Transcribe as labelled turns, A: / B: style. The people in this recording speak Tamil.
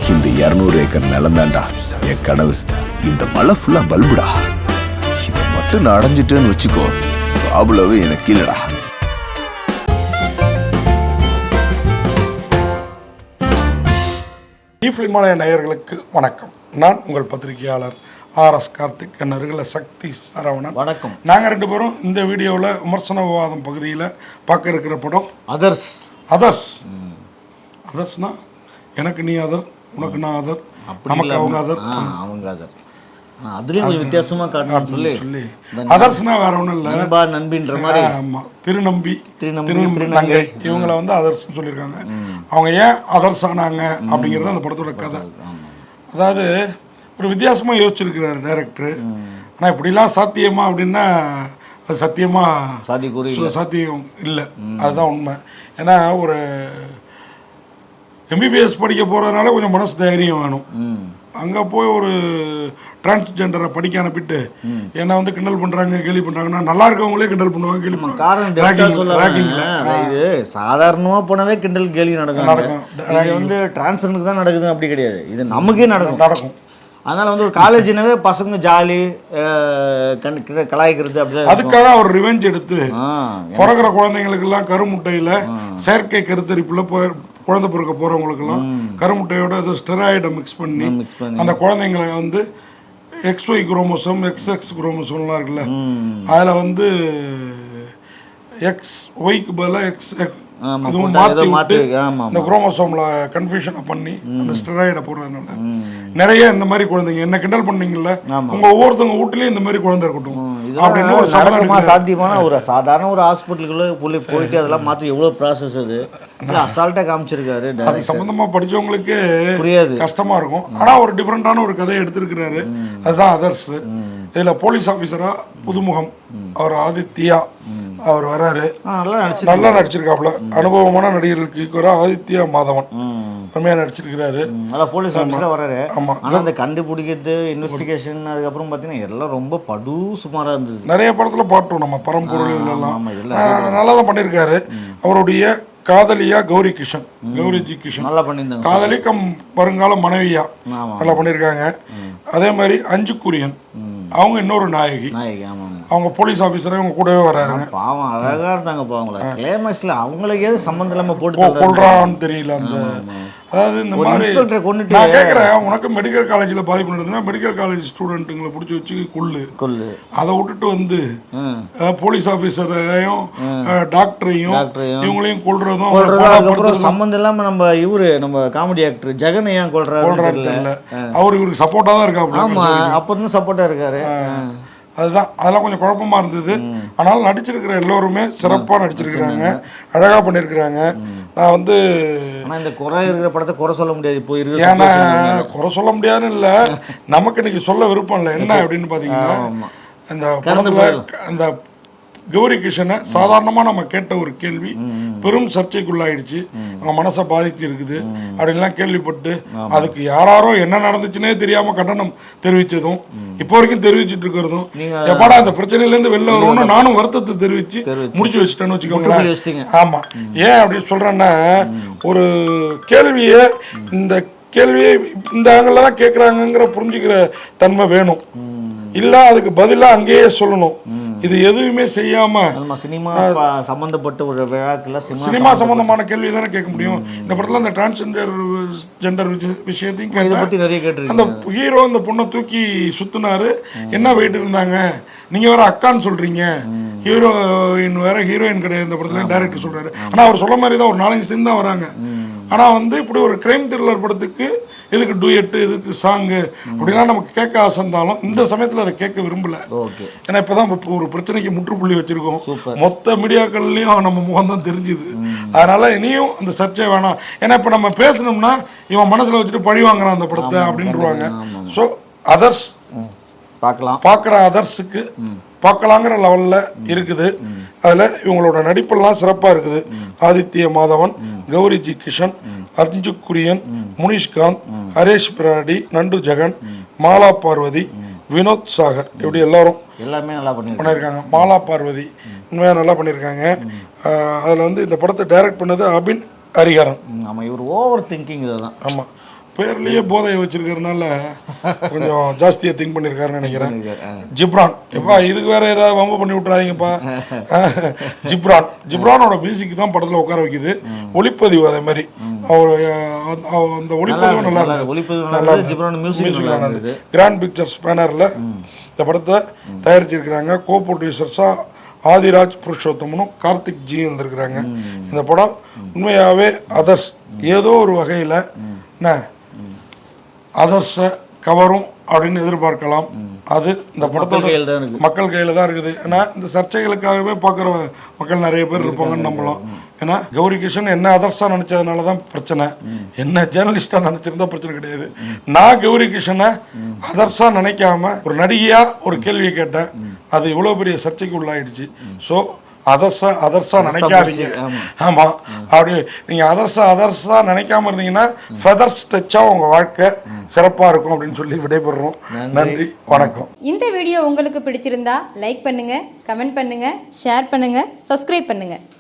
A: இந்த 200 ஏக்கர் நிலந்தாண்டா என் கனவு. இந்த மலை ஃபுல்லா பல்புடா. இதை மட்டும் நான் அடைஞ்சிட்டேன்னு வச்சுக்கோ, பாபுலவே எனக்கு இல்லடா.
B: இமாலய நேயர்களுக்கு வணக்கம். நான் உங்கள் பத்திரிகையாளர் ஆர்.எஸ். கார்த்திக். என் அருகில் சக்தி சரவணன்.
C: வணக்கம்.
B: நாங்கள் 2 பேரும் இந்த வீடியோவில் விமர்சன விவாதம் பகுதியில் பார்க்க இருக்கிற படம்
C: அதர்ஸ்.
B: அதர்ஸ்னா எனக்கு நீ அதர், உனக்கு நான் அதர், நமக்கு அவங்க அதர்,
C: அவங்க அதர். அதுலேயும் கொஞ்சம் வித்தியாசமாக காட்டணும்னு சொல்லி
B: அதர்ஸ்னா வேற ஒன்றும் இல்லை,
C: நண்பா நண்பின்ற மாதிரி.
B: ஆமாம், திருநம்பி திருநங்கை இவங்களை வந்து அதர்ஸ்ன்னு சொல்லியிருக்காங்க. அவங்க ஏன் அதர்ஸ் ஆனாங்க அப்படிங்கிறது அந்த படத்தோட கதை. அதாவது ஒரு வித்தியாசமாக யோசிச்சிருக்கிறாரு டைரக்டர். ஆனால் இப்படிலாம் சாத்தியமா அப்படின்னா அது சத்தியமாக சாத்தியம் இல்லை, அதுதான் உண்மை. ஏன்னா ஒரு எம்பிபிஎஸ் படிக்க போகிறதுனால கொஞ்சம் மனசு தைரியம் வேணும். அங்கே போய் ஒரு டிரான்ஸ்ஜெண்டரை படிக்க அனுப்பிட்டு ஏன்னா வந்து கிண்டல் பண்ணுறாங்க கேலி பண்ணுறாங்கன்னா நல்லா இருக்கவங்களே கிண்டல் பண்ணுவாங்க கேலி பண்ணுவாங்க.
C: இது சாதாரணமாக போனவே கிண்டல் கேலி நடக்கும். இது வந்து டிரான்ஸ்ஜெண்டருக்கு தான் நடக்குது அப்படி கிடையாது, இது நமக்கே நடக்கும். அதனால வந்து ஒரு காலேஜ்னாவே பசங்க ஜாலி கலாய்க்கிறது அப்படி.
B: அதுக்காக அவர் ரிவெஞ்ச் எடுத்து பிறகுற குழந்தைங்களுக்கெல்லாம் கருமுட்டையில் செயற்கை கருத்தரிப்புல குழந்தை பிறக்க போறவங்களுக்கெல்லாம் கருமுட்டையோட ஏதோ ஸ்டெராய்டை மிக்ஸ் பண்ணி அந்த குழந்தைங்களை வந்து XY குரோமோசோம் XX குரோமோசோம்லாம் இருக்குல்ல, அதில் வந்து XYக்கு பதிலாக அதுவும் மாற்றி இந்த குரோமோசோம்ல கன்ஃபியூஷனை பண்ணி அந்த ஸ்டெராய்டை போடுறதுனால நிறைய இந்த மாதிரி குழந்தைங்க என்ன கிண்டல் பண்ணீங்கல்ல, உங்க ஒவ்வொருத்தவங்க வீட்லயும் இந்த மாதிரி குழந்தை இருக்கட்டும் அப்படின்னு ஒரு
C: சாத்தியமான ஒரு சாதாரண ஒரு ஹாஸ்பிட்டலுக்குள்ள போயிட்டு அதெல்லாம் மாற்றி எவ்வளோ ப்ராசஸ் அது அசால்ட்டாக காமிச்சிருக்காரு.
B: அது சம்பந்தமா படிச்சவங்களுக்கு புரியாது, கஷ்டமா இருக்கும். ஆனா ஒரு டிஃப்ரெண்டான ஒரு கதையை எடுத்திருக்கிறாரு, அதுதான் அதர்ஸ். இதுல போலீஸ் ஆபீசரா புதுமுகம் அவர் ஆதித்யா அவர் வராரு. நல்லா நடிச்சிருக்காப்புல. அனுபவமான நடிகர்களுக்கு ஈக்குவலா ஆதித்யா மாதவன் செம்மையா நடிச்சிருக்கிறாரு.
C: போலீஸ் ஆபீசரா வராரு. ஆமா, அந்த கண்டுபிடிக்கிறது இன்வெஸ்டிகேஷன் அதுக்கப்புறம் பாத்தீங்கன்னா எல்லாம் ரொம்ப படு சுமாரா இருந்தது.
B: நிறைய படத்துல பாட்டோம் நம்ம பரம்பொருள் இதெல்லாம் நல்லா தான் பண்ணியிருக்காரு. அவருடைய காதலியா கௌரி ஜி கிஷன் நல்லா பண்ணியிருந்தாங்க. காதலி கம் வருங்கால மனைவியா நல்லா பண்ணியிருக்காங்க. அதே மாதிரி அஞ்சு குரியன் அவங்க இன்னொரு நாயகி. அவங்க போலீஸ் ஆபீசரே அவங்க கூடவே வராங்க.
C: பாவம் அழகா இருந்தாங்க. பாவங்கள கிளைமேக்ஸ்ல அவங்களுக்கு ஏது சம்பந்தம் இல்லாம போட்டு
B: கொள்றான்னு தெரியல. அந்த அதாவது இந்த மாதிரி நான் கேட்குறேன், உனக்கு மெடிக்கல் காலேஜில் பாதிப்பு நடந்ததுன்னா மெடிக்கல் காலேஜ் ஸ்டூடெண்ட்டுங்களை பிடிச்சி வச்சு கொள்ளு. அதை விட்டுட்டு வந்து போலீஸ் ஆஃபீஸரையும் டாக்டரையும் இவங்களையும் கொள்றதும்
C: சம்பந்தம் இல்லாம நம்ம காமெடி ஆக்டர் ஜெகன் ஏன் கொள்றாரு
B: இல்லை. அவர் இவருக்கு சப்போர்ட்டா தான் இருக்காரு.
C: ஆமா, அப்பதான் சப்போர்ட்டா இருக்காரு.
B: அதுதான் அதெல்லாம் கொஞ்சம் குழப்பமா இருந்தது. ஆனால் நடிச்சிருக்கிற எல்லோருமே சிறப்பாக நடிச்சிருக்கிறாங்க, அழகாக பண்ணியிருக்கிறாங்க. நான் வந்து
C: இந்த குறை இருக்கிற படத்தை குறை சொல்ல முடியாது. இப்போ இருக்கு,
B: ஏன்னா குறை சொல்ல முடியாதுன்னு இல்லை, நமக்கு இன்னைக்கு சொல்ல விருப்பம் இல்லை. என்ன அப்படின்னு பார்த்தீங்கன்னா, இந்த படத்தில் அந்த கௌரி கிஷனை சாதாரணமாக நம்ம கேட்ட ஒரு கேள்வி பெரும் சர்ச்சைக்குள்ளாயிடுச்சு. அவங்க மனசை பாதிச்சு இருக்குது அப்படின்லாம் கேள்விப்பட்டு அதுக்கு யாரோ என்ன நடந்துச்சுன்னே தெரியாம கண்டனம் தெரிவிச்சதும் இப்போ வரைக்கும் தெரிவிச்சுட்டு இருக்கிறதும் எப்படா அந்த பிரச்சனையிலேருந்து வெளில வரும்னு நானும் வருத்தத்தை தெரிவிச்சு முடிச்சு வச்சுட்டேன்னு வச்சுக்கோங்களேன். ஆமா, ஏன் அப்படி சொல்றேன்னா, ஒரு கேள்வியை இந்த ஆங்கிள் தான் கேட்குறாங்கிற புரிஞ்சுக்கிற தன்மை வேணும். இல்ல அதுக்கு பதிலா அங்கேயே சொல்லணும். இது எதுவுமே செய்யாம
C: சினிமா சம்பந்தப்பட்ட ஒரு விழாக்குள்ள
B: சினிமா சம்பந்தமான கேள்வி தானே கேட்க முடியும். இந்த படத்துல அந்த டிரான்ஸ்ஜெண்டர் விஷயத்தையும் கேட்டு அந்த ஹீரோ இந்த பொண்ணை தூக்கி சுத்தினாரு. என்ன வெயிட் இருந்தாங்க, நீங்க வேற அக்கான்னு சொல்றீங்க, ஹீரோயின் வேற ஹீரோயின் கிடையாது இந்த படத்துல டைரக்டர் சொல்றாரு. ஆனா அவர் சொல்ல மாதிரி தான் ஒரு 4-5 சீன் தான் வராங்க. ஆனா வந்து இப்படி ஒரு கிரைம் த்ரில்லர் படத்துக்கு எதுக்கு டூயட்டு, எதுக்கு சாங்கு அப்படிலாம் நமக்கு கேட்க ஆசை இருந்தாலும் இந்த சமயத்தில் அதை கேட்க விரும்பல. ஏன்னா இப்போதான் ஒரு பிரச்சனைக்கு முற்றுப்புள்ளி வச்சிருக்கோம். மொத்த மீடியாக்கள்லையும் நம்ம முகம் தான் தெரிஞ்சுது. அதனால இனியும் அந்த சர்ச்சை வேணாம். ஏன்னா இப்போ நம்ம பேசணும்னா இவன் மனசில் வச்சுட்டு பழி வாங்குறான் அந்த படத்தை அப்படின்ட்டுருவாங்க. ஸோ அதர்ஸ் பார்க்குற அதர்ஸுக்கு பார்க்கலாங்கிற லெவலில் இருக்குது. அதில் இவங்களோட நடிப்பெல்லாம் சிறப்பாக இருக்குது. ஆதித்ய மாதவன், கௌரி ஜி கிஷன், அர்ஜு குரியன், முனிஷ்காந்த், ஹரேஷ் பிராடி, நண்டு ஜெகன், மாலா பார்வதி, வினோத் சாகர், இப்படி எல்லாமே நல்லா பண்ணியிருக்காங்க. மாலா பார்வதி உண்மையாக நல்லா பண்ணியிருக்காங்க. அதில் வந்து இந்த படத்தை டைரக்ட் பண்ணது அபின் ஹரிஹரன்.
C: ஆமாம், இவர் ஓவர் திங்கிங் தான்.
B: ஆமாம், பேர்லயே போதையை வச்சிருக்கிறதுனால கொஞ்சம் ஜாஸ்தியா திங்க் பண்ணிருக்காருன்னு நினைக்கிறேன். ஜிப்ரான் எப்பா இதுக்கு வேற ஏதாவது வம்பு பண்ணி விட்டுறாதீங்கப்பா. ஜிப்ரானோட மியூசிக் தான் படத்துல உட்கார வைக்குது. ஒளிப்பதிவு அதே மாதிரி அந்த ஒளிப்பதிவு நல்லா இருந்தது. கிராண்ட் பிக்சர்ஸ் பேனர்ல இந்த படத்தை தயாரிச்சிருக்கிறாங்க. கோ ப்ரொடியூசர்ஸா ஆதிராஜ் புருஷோத்தமனும் கார்த்திக் ஜி வந்திருக்கிறாங்க. இந்த படம் உண்மையாகவே அதர்ஸ் ஏதோ ஒரு வகையில் என்ன அதர்ஸை கவரும் அப்படின்னு எதிர்பார்க்கலாம். அது இந்த படத்தோட மக்கள் கையில் தான் இருக்குது. ஏன்னா இந்த சர்ச்சைகளுக்காகவே பார்க்குற மக்கள் நிறைய பேர் இருப்பாங்கன்னு நம்பலாம். ஏன்னா கௌரி கிஷன் என்ன அதர்ஸாக நினச்சதுனால தான் பிரச்சனை, என்ன ஜேர்னலிஸ்டாக நினச்சிருந்தா பிரச்சனை கிடையாது. நான் கௌரி கிஷனை அதர்ஸாக நினைக்காம ஒரு நடிகையாக ஒரு கேள்வியை கேட்டேன். அது இவ்வளோ பெரிய சர்ச்சைக்கு உள்ளாயிடுச்சு. ஸோ அதர்ஸா நினைக்காதீங்க. ஆமா, அப்படி நீங்க அதர்ஸா நினைக்காம இருந்தீங்கன்னா ஃபெதர்ஸ் டச்சா உங்க வாழ்க்கை சிறப்பா இருக்கும் அப்படின்னு சொல்லி விடைபெறுறோம். நன்றி, வணக்கம்.
D: இந்த வீடியோ உங்களுக்கு பிடிச்சிருந்தா லைக் பண்ணுங்க, கமெண்ட் பண்ணுங்க, ஷேர் பண்ணுங்க, சப்ஸ்கிரைப் பண்ணுங்க.